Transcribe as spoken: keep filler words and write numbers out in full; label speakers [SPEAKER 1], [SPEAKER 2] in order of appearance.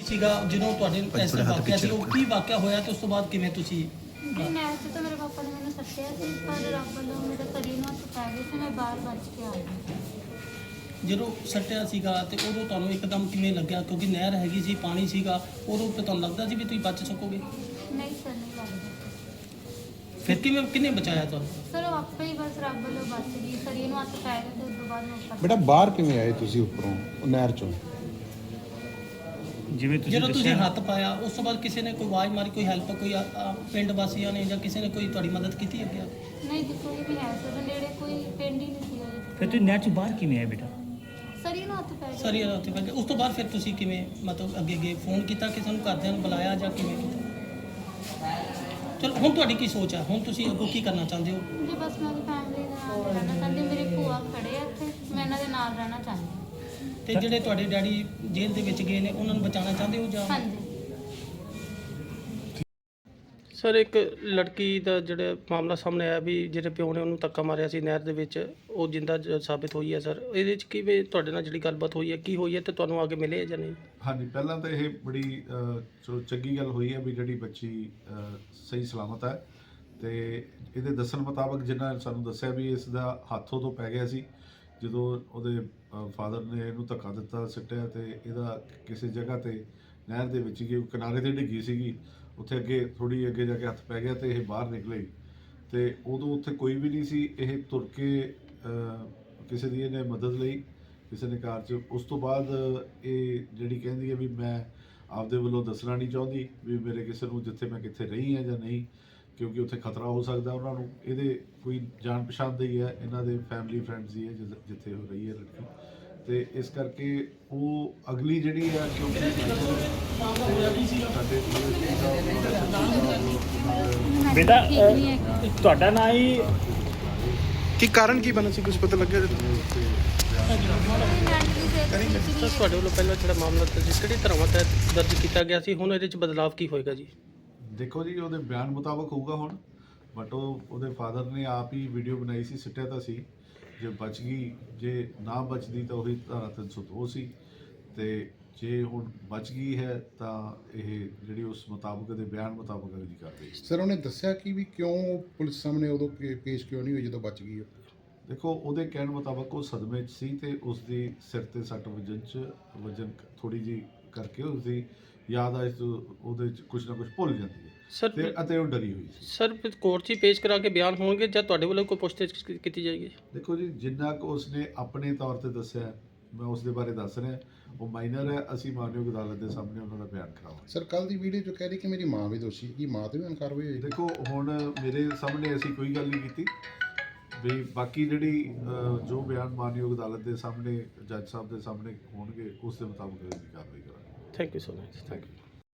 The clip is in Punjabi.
[SPEAKER 1] ਸੀਗਾ ਜਦੋਂ ਤੁਹਾਡੇ ਐਸਾ ਵਾਕਿਆ ਸੀ ਉਹ ਕੀ ਵਾਕਿਆ ਹੋਇਆ ਤੇ ਉਸ ਤੋਂ ਬਾਅਦ ਕਿਵੇਂ ਤੁਸੀਂ
[SPEAKER 2] ਜੀ ਨਹਿਰ 'ਚ ਤਾਂ ਮੇਰੇ ਪਾਪਾ ਨੇ ਮੈਨੂੰ ਸੱਟਿਆ ਸੀ, ਪਰ ਰੱਬ ਵੱਲੋਂ ਮੇਰੇ ਸਰੀਰ ਨੂੰ ਹੱਥ ਪੈ ਗਏ ਸੀ, ਮੈਂ ਬਾਹਰ ਬਚ ਕੇ ਆ ਗਈ।
[SPEAKER 1] ਜਦੋਂ ਸੱਟਿਆ ਸੀਗਾ ਤੇ ਉਦੋਂ ਤੁਹਾਨੂੰ ਇੱਕਦਮ ਕਿਵੇਂ ਲੱਗਿਆ, ਕਿਉਂਕਿ ਨਹਿਰ ਹੈਗੀ ਸੀ, ਪਾਣੀ ਸੀਗਾ, ਉਦੋਂ ਤੇ ਤੁਹਾਨੂੰ ਲੱਗਦਾ ਸੀ ਵੀ ਤੁਸੀਂ ਬਚ ਸਕੋਗੇ?
[SPEAKER 2] ਨਹੀਂ ਸਰ, ਨਹੀਂ ਲੱਗਦਾ।
[SPEAKER 1] ਫਿਰ ਕਿਵੇਂ ਕਿਹਨੇ ਬਚਾਇਆ ਤੁਹਾਨੂੰ?
[SPEAKER 2] ਸਰ ਉਹ ਆਪੇ ਹੀ ਬਸ ਰੱਬ ਵੱਲੋਂ ਬਚ ਗਈ, ਸਰੀਰ ਨੂੰ ਹੱਥ ਪੈ ਗਏ ਤੇ ਉਸ ਤੋਂ ਬਾਅਦ ਮੈਂ ਉੱਪਰ
[SPEAKER 3] ਬੇਟਾ ਬਾਹਰ ਕਿਵੇਂ ਆਏ ਤੁਸੀਂ ਉੱਪਰੋਂ ਉਹ ਨਹਿਰ ਚੋਂ?
[SPEAKER 4] ਜਿਵੇਂ ਤੁਸੀਂ
[SPEAKER 1] ਜਦੋਂ ਤੁਸੀਂ
[SPEAKER 4] ਦੱਸਿਆ
[SPEAKER 1] ਹੱਥ ਪਾਇਆ ਉਸ ਤੋਂ ਬਾਅਦ ਕਿਸੇ ਨੇ ਕੋਈ ਆਵਾਜ਼ ਮਾਰੀ, ਕੋਈ ਹੈਲਪ, ਕੋਈ ਆ- ਆ ਪਿੰਡ ਵਾਸੀਆਂ ਨੇ ਜਾਂ ਕਿਸੇ ਨੇ ਕੋਈ ਤੁਹਾਡੀ ਮਦਦ ਕੀਤੀ ਅੱਗੇ?
[SPEAKER 2] ਨਹੀਂ ਜੀ, ਕੋਈ ਵੀ ਹੈ ਸਰ, ਨੇੜੇ ਕੋਈ ਪਿੰਡ ਹੀ ਨਹੀਂ ਸੀ ਉਹਦੇ।
[SPEAKER 4] ਫਿਰ ਤੁਸੀਂ ਨਹਿਰ 'ਚ ਬਾਹਰ ਕਿਵੇਂ ਆਏ ਬੇਟਾ?
[SPEAKER 2] ਸਰੀਰ ਨੂੰ ਹੱਥ ਪੈ ਗਏ।
[SPEAKER 1] ਸਰ ਇਹ ਉੱਥੇ ਪੈ ਗਿਆ। ਉਸ ਤੋਂ ਬਾਅਦ ਫਿਰ ਤੁਸੀਂ ਕਿਵੇਂ ਮਤਲਬ ਅੱਗੇ ਅੱਗੇ ਫੋਨ ਕੀਤਾ, ਕਿਸੇ ਨੂੰ ਘਰਦਿਆਂ ਨੂੰ ਬੁਲਾਇਆ ਜਾਂ ਕਿਵੇਂ ਕੀਤਾ? ਚਲੋ ਹੁਣ ਤੁਹਾਡੀ ਕੀ ਸੋਚ ਹੈ, ਹੁਣ ਤੁਸੀਂ ਅੱਗੋਂ ਕੀ ਕਰਨਾ ਚਾਹੁੰਦੇ ਹੋ?
[SPEAKER 2] ਜੀ ਬਸ ਮੈਂ ਫੈਮਿਲੀ ਦੇ ਨਾਲ ਰਹਿਣਾ ਚਾਹੁੰਦੀ, ਮੇਰੀ ਭੂਆ ਖੜੇ ਆ ਇੱਥੇ, ਮੈਂ ਇਹਨਾਂ ਦੇ ਨਾਲ ਰਹਿਣਾ ਚਾਹੁੰਦੀ।
[SPEAKER 1] ਤੇ ਜਿਹੜੇ ਤੁਹਾਡੇ ਡੈਡੀ ਜੇਲ੍ਹ ਦੇ ਵਿੱਚ ਗਏ ਨੇ ਉਹਨਾਂ ਨੂੰ ਬਚਾਉਣਾ ਚਾਹੁੰਦੇ ਹੋ ਜਾਂ?
[SPEAKER 2] ਹਾਂਜੀ।
[SPEAKER 1] ਸਰ ਇੱਕ ਲੜਕੀ ਦਾ ਜਿਹੜਾ ਮਾਮਲਾ ਸਾਹਮਣੇ ਆਇਆ ਵੀ ਜਿਹੜੇ ਪਿਓ ਨੇ ਉਹਨੂੰ ਧੱਕਾ ਮਾਰਿਆ ਸੀ ਨਹਿਰ ਦੇ ਵਿੱਚ, ਉਹ ਜਿੰਦਾ ਜ- ਸਾਬਿਤ ਹੋਈ ਹੈ ਸਰ। ਇਹਦੇ ਵਿੱਚ ਕਿਵੇਂ ਤੁਹਾਡੇ ਨਾਲ ਜਿਹੜੀ ਗੱਲਬਾਤ ਹੋਈ ਹੈ, ਕੀ ਹੋਈ ਹੈ ਤੇ ਤੁਹਾਨੂੰ ਅੱਗੇ ਮਿਲੇ ਜਾਂ ਨਹੀਂ?
[SPEAKER 5] ਹਾਂਜੀ, ਪਹਿਲਾਂ ਤਾਂ ਇਹ ਬੜੀ ਅ, ਚਲੋ ਚੰਗੀ ਗੱਲ ਹੋਈ ਹੈ ਵੀ ਜਿਹੜੀ ਬੱਚੀ ਅ, ਸਹੀ ਸਲਾਮਤ ਹੈ। ਤੇ ਇਹਦੇ ਦੱਸਣ ਮੁਤਾਬਕ ਜਿੰਨਾ ਸਾਨੂੰ ਦੱਸਿਆ ਵੀ ਇਸ ਦਾ ਹੱਥੋਂ ਤੋਂ ਪੈ ਗਿਆ ਸੀ ਜਦੋਂ ਉਹਦੇ ਫਾਦਰ ਨੇ ਇਹਨੂੰ ਧੱਕਾ ਦਿੱਤਾ, ਸਿੱਟਿਆ, ਤੇ ਇਹਦਾ ਕਿਸੇ ਜਗ੍ਹਾ ਤੇ ਨਹਿਰ ਦੇ ਵਿੱਚ ਹੀ ਕਿਨਾਰੇ ਤੇ ਡਿੱਗੀ ਸੀਗੀ, ਉੱਥੇ ਅੱਗੇ ਥੋੜੀ ਅੱਗੇ ਜਾ ਕੇ ਹੱਥ ਪੈ ਗਿਆ ਤੇ ਇਹ ਬਾਹਰ ਨਿਕਲੇ। ਤੇ ਉਦੋਂ ਉੱਥੇ ਕੋਈ ਵੀ ਨਹੀਂ ਸੀ, ਇਹ ਤੁਰ ਕੇ ਅ, ਕਿਸੇ ਦੀ ਇਹਨੇ ਮਦਦ ਲਈ, ਕਿਸੇ ਨੇ ਕਾਰ 'ਚ। ਉਸ ਤੋਂ ਬਾਅਦ ਇਹ ਜਿਹੜੀ ਕਹਿੰਦੀ ਹੈ ਵੀ ਮੈਂ ਆਪਦੇ ਵੱਲੋਂ ਦੱਸਣਾ ਨਹੀਂ ਚਾਹੁੰਦੀ ਵੀ ਮੇਰੇ ਕਿਸੇ ਨੂੰ ਜਿੱਥੇ ਮੈਂ ਕਿੱਥੇ ਰਹੀ ਹਾਂ ਜਾਂ ਨਹੀਂ, ਕਿਉਂਕਿ ਉੱਥੇ ਖਤਰਾ ਹੋ ਸਕਦਾ ਉਹਨਾਂ ਨੂੰ। ਇਹਦੇ ਕੋਈ ਜਾਣ ਪਛਾਣ ਦਾ ਹੀ ਹੈ, ਇਹਨਾਂ ਦੇ ਫੈਮਿਲੀ ਫਰੈਂਡਸ ਹੀ ਹੈ ਜਿ- ਜਿੱਥੇ ਉਹ ਰਹੀ ਹੈ ਲੜਕੀ, ਤੇ ਇਸ ਕਰਕੇ ਉਹ ਅਗਲੀ ਜਿਹੜੀ ਹੈ ਕਿਉਂਕਿ ਸਾਡੇ
[SPEAKER 4] ਬੇਟਾ
[SPEAKER 2] ਠੀਕ ਨਹੀਂ ਹੈਗੀ।
[SPEAKER 4] ਅ, ਤੁਹਾਡਾ ਨਾਂ ਹੀ
[SPEAKER 3] ਕੀ ਕਾਰਨ ਕੀ ਬਣਾ ਸੀ, ਕੁਝ ਪਤਾ ਲੱਗਿਆ?
[SPEAKER 1] ਸਰ ਤੁਹਾਡੇ ਵੱਲੋਂ ਪਹਿਲਾਂ ਜਿਹੜਾ ਮਾਮਲਾ ਦਰਜ ਕਿਹੜੀ ਧਾਰਾਵਾਂ ਤਹਿਤ ਦਰਜ ਕੀਤਾ ਗਿਆ ਸੀ, ਹੁਣ ਇਹਦੇ ਵਿੱਚ ਬਦਲਾਅ ਕੀ ਹੋਏਗਾ ਜੀ?
[SPEAKER 5] ਦੇਖੋ ਜੀ, ਉਹਦੇ ਬਿਆਨ ਮੁਤਾਬਕ ਹੋਊਗਾ ਹੁਣ, ਬਟ ਉਹ ਉਹਦੇ ਫਾਦਰ ਨੇ ਆਪ ਹੀ ਵੀਡੀਓ ਬਣਾਈ ਸੀ, ਸਿੱਟਿਆ ਤਾਂ ਸੀ। ਜੇ ਬਚ ਗਈ, ਜੇ ਨਾ ਬਚਦੀ ਤਾਂ ਉਹੀ ਧਾਰਾ ਤਿੰਨ ਸੌ ਦੋ ਸੀ, ਤੇ ਜੇ ਹੁਣ ਬਚ ਗਈ ਹੈ ਤਾਂ ਇਹ ਜਿਹੜੀ ਉਸ ਮੁਤਾਬਕ ਦੇ ਬਿਆਨ ਮੁਤਾਬਕ ਅਗਲੀ ਕਾਰਵਾਈ।
[SPEAKER 3] ਸਰ ਉਹਨੇ ਦੱਸਿਆ ਕਿ ਵੀ ਕਿਉਂ ਪੁਲਿਸ ਸਾਹਮਣੇ ਉਦੋਂ ਪੇ- ਪੇਸ਼ ਕਿਉਂ ਨਹੀਂ ਹੋਈ ਜਦੋਂ ਬਚ ਗਈ ਉਹ?
[SPEAKER 5] ਦੇਖੋ, ਉਹਦੇ ਕਹਿਣ ਮੁਤਾਬਕ ਉਹ ਸਦਮੇ 'ਚ ਸੀ ਤੇ ਉਸ ਦੀ ਸਿਰ ਤੇ ਸੱਟ ਵਜਨ 'ਚ ਵਜਨ ਥੋੜੀ ਜੀ ਕਰਕੇ ਉਸ ਦੀ ਯਾਦ ਆ ਉਹਦੇ 'ਚ ਕੁਝ ਨਾ ਕੁਝ ਭੁੱਲ ਜਾਂਦੀ ਹੈ
[SPEAKER 1] ਸਰ
[SPEAKER 5] ਤੇ ਅਤੇ ਉਹ ਡਰੀ ਹੋਈ ਸੀ।
[SPEAKER 1] ਸਰ ਕੋਰਟ 'ਚ ਹੀ ਪੇਸ਼ ਕਰਾ ਕੇ ਬਿਆਨ ਹੋਣਗੇ ਜਾਂ ਤੁਹਾਡੇ ਵੱਲੋਂ ਕੋਈ ਪੁੱਛਤਾਛ ਕੀਤੀ ਜਾਏਗੀ?
[SPEAKER 5] ਦੇਖੋ ਜੀ, ਜਿੰਨਾ ਕੁ ਉਸਨੇ ਆਪਣੇ ਤੌਰ ਤੇ ਦੱਸਿਆ ਮੈਂ ਉਸ ਦੇ ਬਾਰੇ ਦੱਸ ਰਿਹਾ, ਉਹ ਮਾਈਨਰ ਹੈ। ਅਸੀਂ ਮਾਨਯੋਗ ਅਦਾਲਤ ਦੇ ਸਾਹਮਣੇ ਉਹਨਾਂ ਦਾ ਬਿਆਨ ਕਰਾਵਾਂਗੇ।
[SPEAKER 3] ਸਰ ਕੱਲ ਦੀ ਵੀਡੀਓ 'ਚ ਕਹਿ ਰਹੀ ਕਿ ਮੇਰੀ ਮਾਂ ਵੀ ਦੋਸ਼ੀ ਹੈ, ਕੀ ਮਾਂ ਤੇ ਵੀ ਇਨਕਾਰ ਹੋਈ ਹੋਈ?
[SPEAKER 5] ਦੇਖੋ, ਹੁਣ ਮੇਰੇ ਸਾਹਮਣੇ ਅਸੀਂ ਕੋਈ ਗੱਲ ਨਹੀਂ ਕੀਤੀ ਵੀ ਬਾਕੀ ਜਿਹੜੀ ਅ, ਜੋ ਬਿਆਨ ਮਾਨਯੋਗ ਅਦਾਲਤ ਦੇ ਸਾਹਮਣੇ ਜੱਜ ਸਾਹਿਬ ਦੇ ਸਾਹਮਣੇ ਹੋਣਗੇ ਉਸ ਦੇ ਮੁਤਾਬਕ ਅਗਲੀ ਕਾਰਵਾਈ ਕਰਾਂਗੇ।
[SPEAKER 1] Thank you so much, thank you.